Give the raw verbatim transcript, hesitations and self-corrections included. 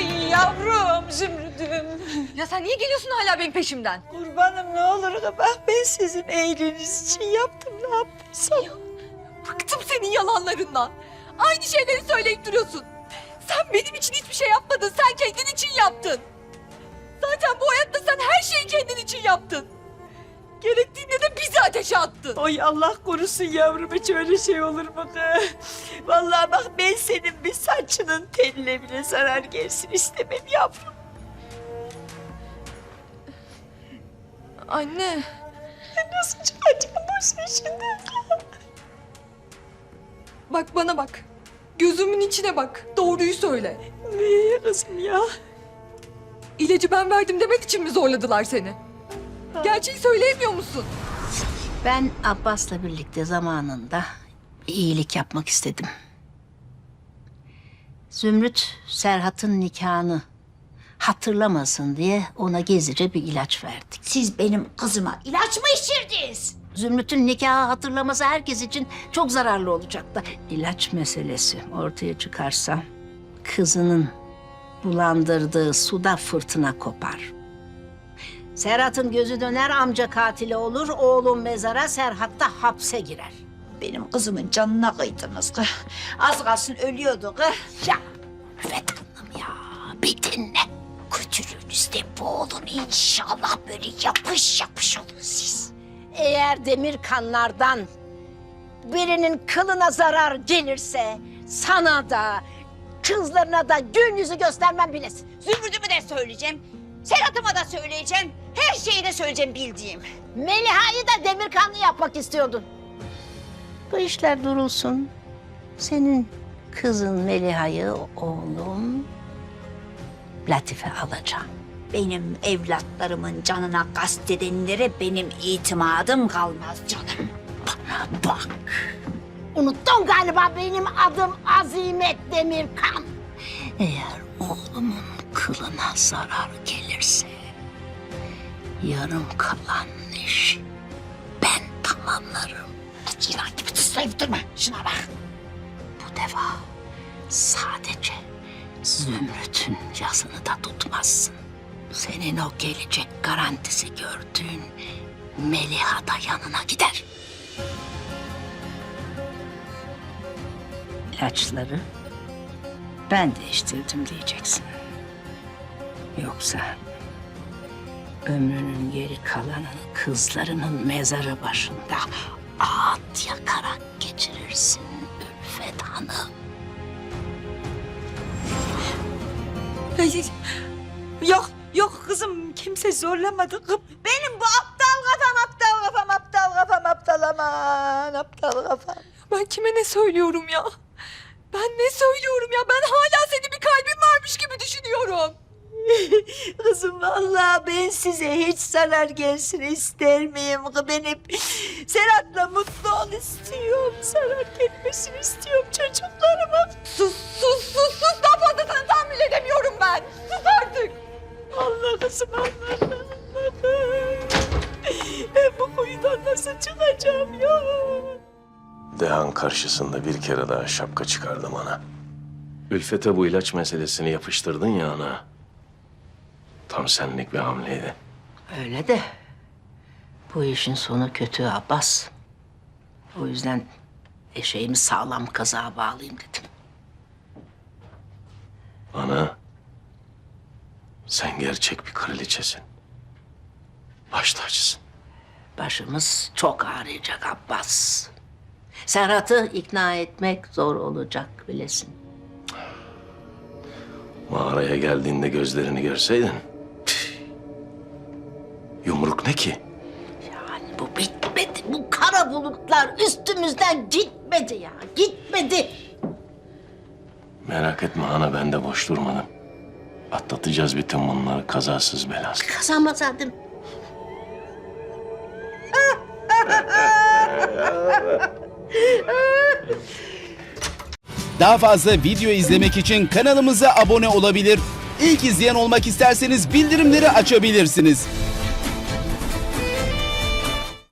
Ay yavrum Zümrüdüm. Ya sen niye geliyorsun hala benim peşimden? Kurbanım ne olur bak ben sizin iyiliğiniz için yaptım ne yaptıysam. Bıktım senin yalanlarından. Aynı şeyleri söyleyip duruyorsun. Sen benim için hiçbir şey yapmadın. Sen kendin için yaptın. Zaten bu hayatta sen her şeyi kendin için yaptın. Gerektiğinde de bizi ateşe attın. Oy Allah korusun yavrum hiç öyle şey olur mu kız? Vallahi bak ben senin bir saçının teline bile zarar gelsin istemem yavrum. Anne. Ben nasıl çıkacağım bu işin içinden? Bak bana bak. Gözümün içine bak. Doğruyu söyle. Niye kızım ya? İlacı ben verdim demek için mi zorladılar seni? Gerçeği söyleyemiyor musun? Ben Abbas'la birlikte zamanında bir iyilik yapmak istedim. Zümrüt, Serhat'ın nikahını hatırlamasın diye ona gizlice bir ilaç verdik. Siz benim kızıma ilaç mı içirdiniz? Zümrüt'ün nikahı hatırlaması herkes için çok zararlı olacaktı. İlaç meselesi ortaya çıkarsa kızının bulandırdığı suda fırtına kopar. Serhat'ın gözü döner, amca katili olur, oğlum mezara, Serhat da hapse girer. Benim kızımın canına kıydınız kız. Az kalsın ölüyordu kız. Ya Ülfet Hanım ya, bir dinle. Kötülüğünüzde boğulun inşallah böyle yapış yapış olun siz. Eğer demir kanlardan birinin kılına zarar gelirse sana da kızlarına da gün yüzü göstermem bilesin. Zümrüdümü de söyleyeceğim. Serhat'ıma da söyleyeceğim. Her şeyi de söyleyeceğim bildiğim. Meliha'yı da demir kanlı yapmak istiyordun. Bu işler durulsun. Senin kızın Meliha'yı oğlum Latife alacağım. Benim evlatlarımın canına kastedenlere benim itimadım kalmaz canım. Bana bak. Unuttun galiba benim adım Azimet Demirkan. Eğer oğlumun kılına zarar gelirse yarım kalan işi ben tamamlarım. Yılan gibi tıslayıp durma. Şuna bak. Bu defa sadece Zümrüt'ün yazını da tutmazsın. Senin o gelecek garantisi gördüğün Meliha da yanına gider. İlaçları ben değiştirdim diyeceksin. Yoksa ömrünün geri kalanını kızlarının mezarı başında ağıt yakarak geçirirsin Ülfet Hanım. Ay, yok yok kızım kimse zorlamadı. Benim bu aptal kafam aptal kafam aptal kafam aptal aman aptal kafam. Ben kime ne söylüyorum ya? Ben ne söylüyorum ya? Ben hala senin bir kalbin varmış gibi düşünüyorum. Kızım vallahi ben size hiç zarar gelsin ister miyim? Ben hep Serhat'la mutlu ol istiyorum. Zarar gelmesini istiyorum çocuklarıma. Sus sus sus sus. Daha fazlasını tahammül edemiyorum ben. Sus artık. Allah kızım Allah Allah'ım. Ben bu kuyudan nasıl çıkacağım ya? Dehan karşısında bir kere daha şapka çıkardım ana. Ülfet'e bu ilaç meselesini yapıştırdın ya ana. Tam senlik bir hamleydi. Öyle de bu işin sonu kötü Abbas. O yüzden eşeğimi sağlam kazığa bağlayayım dedim. Ana, sen gerçek bir kraliçesin. Baş tacısın. Başımız çok ağrıyacak Abbas. Serhat'ı ikna etmek zor olacak bilesin. Mağaraya geldiğinde gözlerini görseydin. Tüh. Yumruk ne ki? Yani bu bitmedi. Bu kara bulutlar üstümüzden gitmedi ya. Gitmedi. Merak etme ana, ben de boş durmadım. Atlatacağız bütün bunları kazasız belasız. Kazanmasaydım. Daha fazla video izlemek için kanalımıza abone olabilir. İlk izleyen olmak isterseniz bildirimleri açabilirsiniz.